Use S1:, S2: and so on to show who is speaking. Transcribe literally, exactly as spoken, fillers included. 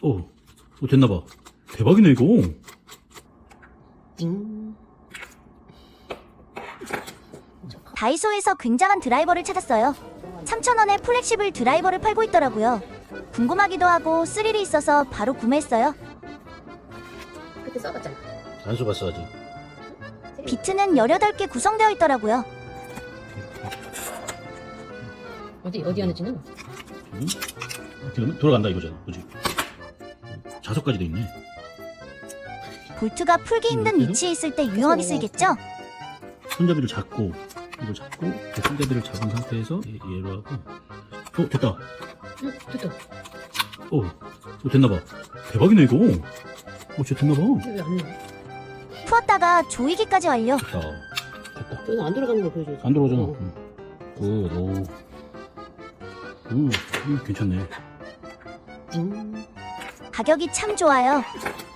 S1: 어, 어 됐나봐. 대박이네 이거.
S2: 띵.
S3: 다이소에서 굉장한 드라이버를 찾았어요. 삼천 원에 플렉시블 드라이버를 팔고 있더라고요. 궁금하기도 하고 스릴이 있어서 바로 구매했어요.
S2: 그때 써봤잖아.
S1: 안 써봤어 아직.
S3: 비트는 열여덟 개 구성되어 있더라고요.
S2: 어디 어디 하는지는
S1: 음? 그러면 돌아간다 이거잖아, 그지? 자석까지 돼 있네.
S3: 볼트가 풀기 힘든 위치에 있을 때 유용하게 쓰이겠죠?
S1: 손잡이를 잡고 이걸 잡고 그 손잡이를 잡은 상태에서 얘- 얘로 하고. 어 됐다.
S2: 응 됐다.
S1: 어, 어 됐나봐. 대박이네 이거. 어 진짜 됐나봐.
S2: 왜안 나와?
S3: 풀었다가 조이기까지 완료.
S1: 됐다. 됐다.
S2: 여기 안 들어가는 거 보여줘야지.
S1: 안 들어오잖아.
S2: 어.
S1: 응. 굿, 오. 음, 음, 괜찮네.
S2: 띵.
S3: 가격이 참 좋아요.